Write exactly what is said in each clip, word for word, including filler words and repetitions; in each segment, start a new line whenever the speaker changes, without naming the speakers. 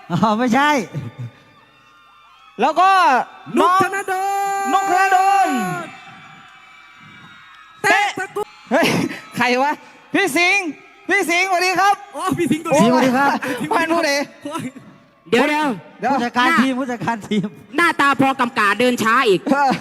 อ๋อไม่ใช่
แล้วก็
นุก
น้อง
ธนดล
นุกธนดล
เตะตะกุก
เฮ้ยใครวะพี่สิงห์พี่สิงห์สวัสดีครับ
โอ้พี่สิงห์ตัว
สวัสดีครับ
พันผู้ใด
เดี๋ยวเดี๋ยว
เดี๋ยว
ผู้จัดการทีมผู้จัดการทีม
หน้าตาพอกำกาเดินช้าอีก
เออ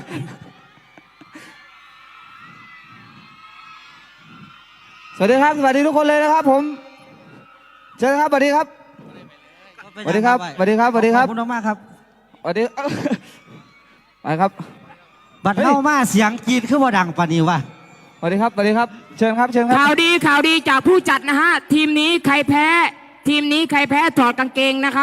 สวัสดีครับสวัสดีทุกคนเลยนะครับผมเชิญครับสวัสดีครับสวัสดีครับสวัสดีครับสวัสดีครับ
ขอบคุณมากครับ
สวัสดีไปครับ
บัดเข้ามาเสียงกรีดขึ้นว่าดังปานนี้วะ
สวัสดีครับสวัสดีครับเชิญครับเชิญครั
ข่าว
บ
ดีข่าวดีจากผู้จัดนะฮะ ทีมนี้ใครแพ้ ทีมนี้ใครแพ้ถอดกางเกงนะครับ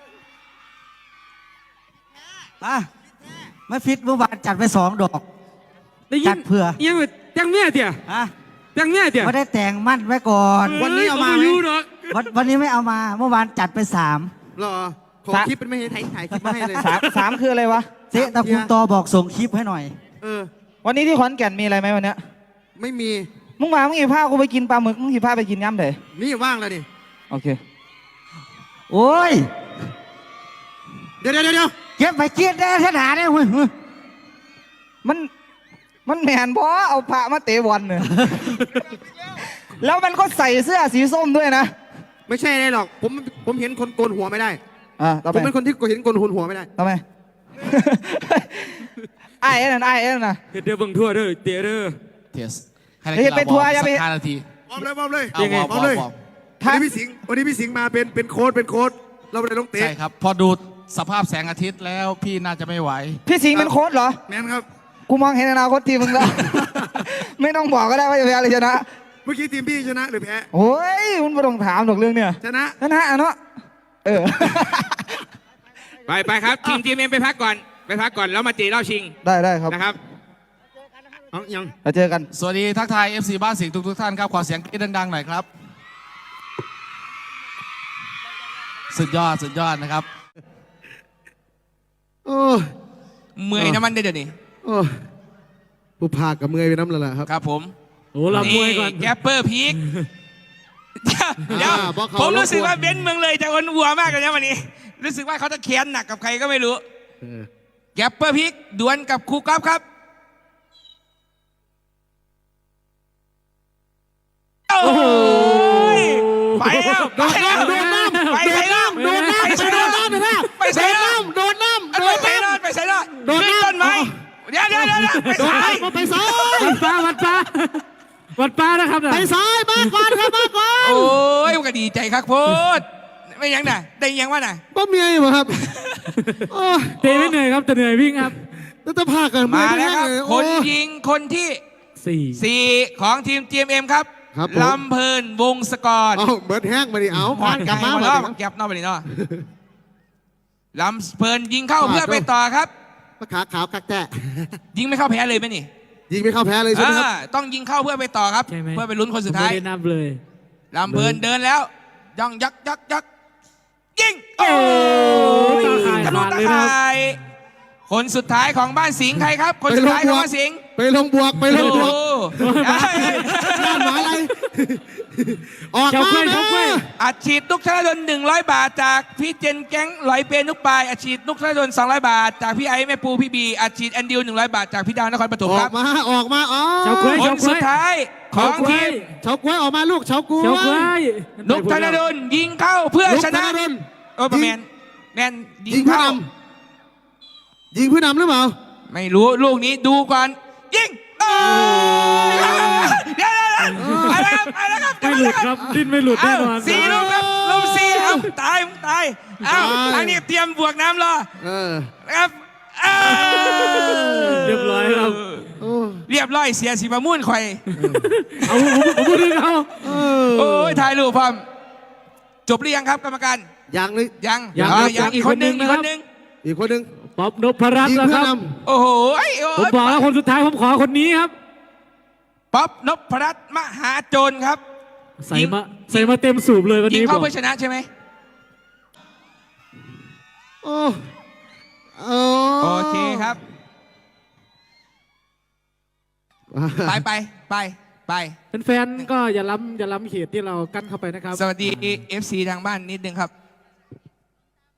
อ่ะไม่ฟิตเมื่อวานจัดไปสองดอก
ได้ยิ
จั
น
ดเผื่อ
ยังจังเมียเถี่ย
อ่ะ
จังเมียเถี่ย
ไม่ได้แต่งมั่นไว้ก่อน
วันนี้เอามาไหม
วันวันนี้ไม่เอามาเมื่อวานจัดไปสาม
หรอขอคลิปเป็นไม่ให้ถ่ายถ่ายคลิปมาให้เลย
สามสามคืออะไรวะ
เจ๊ตะคุณตอบอกส่งคลิปให้หน่อย
เออ
วันนี้ที่ขอนแก่นมีอะไรไหมวันเนี้ย
ไม่มี
มึงมามึงกี่ผ้ากูไปกินปลาหมึกมึงกี่ผ้าไปกินย่ำเถอะ
นี่ว่างแล้วนี่
โอเค
โอ้ย
เดี๋ยวเดี๋ยวเดี๋ยว
เก็บไปเกียดได้ขนาดนี้เว้ย
มันมันแมนเพราะเอาพระมาเตะบอลเนี่ย แล้วมันก็ใส่เสื้อสีส้มด้วยนะ
ไม่ใช่เลยหรอก ผมผมเห็นคนโกนหัวไม่ได้
อ่าต่อ
ผ
ไป
มเป็นคนที่เห็นโกนหัวไม่ได้
ทำไม ไอ้เอ็นนไอ้เอ็นนะ
เดี๋ยวเบิ่งทั่วเด้อเตะเด้อ
เทส
เฮ้ยไปทัวร์อย่าไป
สักห้านาที
พร้อมเลยพร้อมเลย
เอา
ยังไง
วอร์ม
พร้อมเลย
วอร์ม
วันนี้พี่สิงห์วันนี้พี่สิงห์มาเป็นเป็นโค้ดเป็นโค้ดเราเลยต้องเตะ
ใช่ครับ พอดูสภาพแสงอาทิตย์แล้วพี่น่าจะไม่ไหว
พี่สิงห์เป็นโค้ชเหรอ
แมนครับ
กูมองเห็นอนาคตทีมมึงแล้ว ไม่ต้องบอกก็ได้ว่าจะแพ้หรือชนะ
เมื่อกี้ทีมพี่ชนะหรือแพ้
โอ้ยมันไม่ต้องถามหรอกเรื่องเนี่ย
ชนะ
ชนะอ่ะเนาะ เออ
ไปไปครับทีมทีมเอ็มไปพักก่อนไปพักก่อนแล้วมาตีเล่าชิง
ได้ได้ครับ
นะครับ
เอายัง
เราเจอกัน
สวัสดีทักทาย เอฟ ซี บ้านสิงห์ทุกทุกๆท่านครับ ขอเสียงกรี๊ดดังๆหน่อยครับ สุดยอดสุดยอดนะครับ
โอ้
เมื่อยน้ำมันได้เดี๋ยวนี้
โอ้ผู้พากับเมื่อยไปน้ำและล่ะครับ
ครับผม
โอ้เรามวยก่อน
แกปเปอร์พีคเดี๋ยว
อ่าบอกเขา
ผมรู้สึก
รบกวน
ว่าเบนซ์เมืองเลยจะอ้วนวัวมากเลยนะวันนี้ รู้สึกว่าเขาจะแค้นหนักกับใครก็ไม่รู้
เออ
แกปเปอร์พีคดวลกับครูก๊อฟครับโอ้โหไปแล้วไปแล้วไปใส่น้ำ
โดนน้ำ
ไปใส่น้ำไปใส่น้ำ
โดนน้ำ
ไปใส่น้ำไปใส่น้ำโดนต้นไม้เดี๋ยวเดี๋ยวเดี๋ยวไปใส่
ไปซ้าย
วัดป้าวัดป้าวัดป้านะครับนะ
ไปซ้ายมาก่อนครับมาก่อน
โอ้ยมันก็ดีใจครับโพดไม่ยังน่ะได้ยังวะน่ะ
บ่เมียอยู่บ่ครับโอ้ย
เตะไม่เหนื่อยครับแต่เหนื่อยวิ่งครับ
แล้วจะพากัน
มาแล้วครับ
เย
ค
โอ้
น
ย
ยิงคนที่
สี่
สี่ของทีม จี เอ็ม เอ็ม ครับ
ครับผม
ลำเพลินวงศกร
เอาเบิร์ดแห้งมาดิเอา
ผ่านกลับมา
มา
แล้ว
ดิ
แก็บนอกไปนี่เนาะลำเพลินยิงเข้าเพื่อไปต่อครับ
มาขาขาวกักแตะ
ยิงไม่เข้าแพ้เลยไหมนี่
ยิงไม่เข้าแพ้เลยใช่ไหมครับ
อ่าต้องยิงเข้าเพื่อไปต่อครับ
ใช่ไหม
เพื่อไปลุ้นคนสุดท้าย
ไม่ได้นับเลย
ลำเพลินเดินแล้วย่องยักยักยักยิงโอ้ย
ตาข่าย
ทะลุ
ขาด
ตา
เลยนะครับ
ข่ายคนสุดท้ายของบ้านสิงห์ใครครับ คนสุดท้ายของบ้านสิงห์
ไปลงบวกไปลงบวก
โอ้ย
ด้านหมาอะไร ออก
เจ้า
มา
เคย
แม่
เจ้าเคย
อัดฉีดนุกธนดลหนึ่งร้อยบาทจากพี่เจนแก๊งลอยเปนุกปลายอัดฉีดนุกธนดลสองร้อยบาทจากพี่ไอ้แม่ปูพี่บีอัดฉีดแอนดิวหนึ่งร้อยบาทจากพี่ดาวนครปฐม
อ
ค
อ
รั
ก
บ
มาออกมาอ๋อ
เจ้าเคย
คนสุดท้ายของทีม
เฉาก้วยออกมาลูกเฉาก้วย
เจ้าเคย
นุกธนดลยิงเข้าเพื่อ
ลูก
ช
ธ
นะ
นดล
โอ้ประแมนแมนยิ
ยิ
ง
งเพื่อ
เข้าน
ำยิงเพื่อนำหรือเปล่า
ไม่รู้ลูกนี้ดูก่อนยิงเอ้ยเดี๋ยวเดี๋ยวเดี๋ยวไปแล้วครับไปแล้วครับ
ไม่หลุดครับดิ้นไม่หลุดแน่นอน
เาสี่ลูกครับลูกสี่ครับตายมึงตายเอ้าทางนี้เตรียมบวกน้ำรอ
เออ
นะครับเอ้า
เรียบร้อยครับ
โอ้
เรียบร้อยเสียสีประมุ่นข่อย
เอาผมผมพูดถึงเอา
เอ
โอ้ยถ่ายรูปพร้อมจบหรือยังครับกรรมการ
ยังเลย
ยัง
ยัง
เออ
ครับ
ยังอีกคนหนึ่งอีกคนหนึ่ง
อีกคนหนึ่ง
ป๊อบนพรัตน์
ยิง
นะ
เพื่
ค
อ
รับ
น
โอ้โหไอ้โอ้
ผม
ย
บอกแล้วคนสุดท้ายผมขอคนนี้ครับ
ป๊อปนพรัตน์มหาโจรครับ
ใส่มาใส่มาเต็มสูบเลยวัน
ยิง
นี้บ
เข้า
อก
เพื่อชนะใช่ไหม
ำโอ้โอ้
โอเคครับ ไปไปไปไป
แฟนๆก็อย่าล้ำอย่าล้ำเขตที่เรากั้นเข้าไปนะครับ
สวัสดี เอฟ ซี ทางบ้านนิดนึงครับ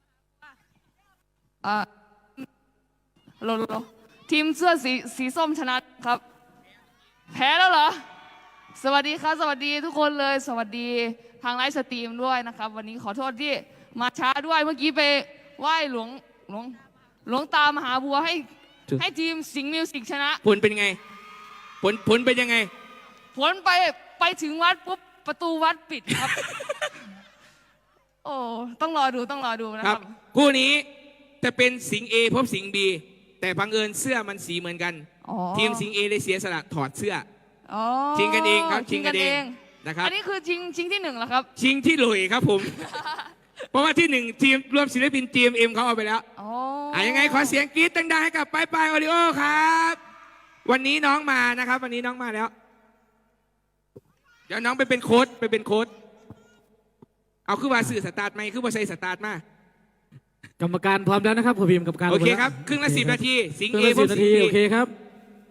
อ่าโลโลโลทีมเสื้อสีสีส้มชนะครับ แพ้แล้วเหรอ สวัสดีครับ สวัสดีทุกคนเลย สวัสดีทางไลฟ์สตรีมด้วยนะครับ วันนี้ขอโทษที่มาช้าด้วย เมื่อกี้ไปไหว้หลวงหลวงหลวงตามหาบัวให้ให้ทีมสิงห์มิวสิกชนะ
ผลเป็นไง ผลผลเป็นยังไง
ผลไปไปถึงวัดปุ๊บประตูวัดปิดครับ โอ้ต้องรอดูต้องรอดูนะ
ค
ค
รั
รั
บบ คู่นี้จะเป็นสิงห์ A พบสิงห์ B แต่บังเอิญเสื้อมันสีเหมือนกัน
อ๋อ
ทีมสิงห์ A เลยเสียสละถอดเสื้อ
อ๋อ
ชิงกันเองครับชิงกันเอง
ชิ
นะครับ
อันนี้คือชิงชิงที่หนึ่งเหรอครับ
ชิงที่หลุยครับผม เพราะว่าที่หนึ่งทีมรวมศิลปิน จี เอ็ม เอ็ม เขาเอาไปแล้ว
อ๋อ
อ่ะยังไงขอเสียงกรี๊ดดังๆให้กับปายปายโอริโอครับ วันนี้น้องมานะครับ วันนี้น้องมาแล้ว เดี๋ยวน้องไปเป็นโค้ดไปเป็นโค้ดเอาคือว่าสื่อสตาร์ทไหมคือว่าใส่สตาร์ทมา
กรรมการพร้อมแล้วนะครับผมพิมพ์กรรมการ
โอเค
พมแล้ว
ครับครึ่งละสิบนาทีสิง
ครึ่
ห์
ง
เอ
ละ
พ
สิ
บบ สิ
นาง ที
ห์
โอเค
บี
ครับ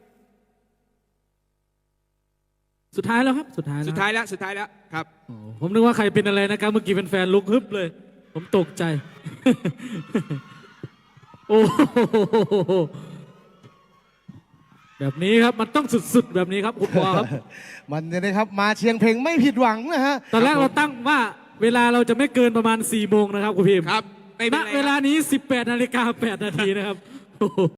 สุดท้ายแล้วครับ สุดท้ายแล้ว
สุดท้ายแล้วสุดท้ายแล้วครับ
โอ้ผมนึกว่าใครเป็นอะไรนะครับ เมื่อกี้เป็นแฟนลุกฮึบเลย ผมตกใจ โอ้โหแบบนี้ครับมันต้องสุดๆแบบนี้ครับคุณปอครับ
มันเนี่ยนะครับมาเชียงเพลงไม่ผิดหวังนะฮะ
ตอนแรกเราตั้งว่าเวลาเราจะไม่เกินประมาณสี่โมงนะครับคุณพิมพ์
ครับไม่เป็
ณ
นไร
เว
ค
ลา
รับ
นี้สิบแปดนาฬิกาแปดนาทีนะครับ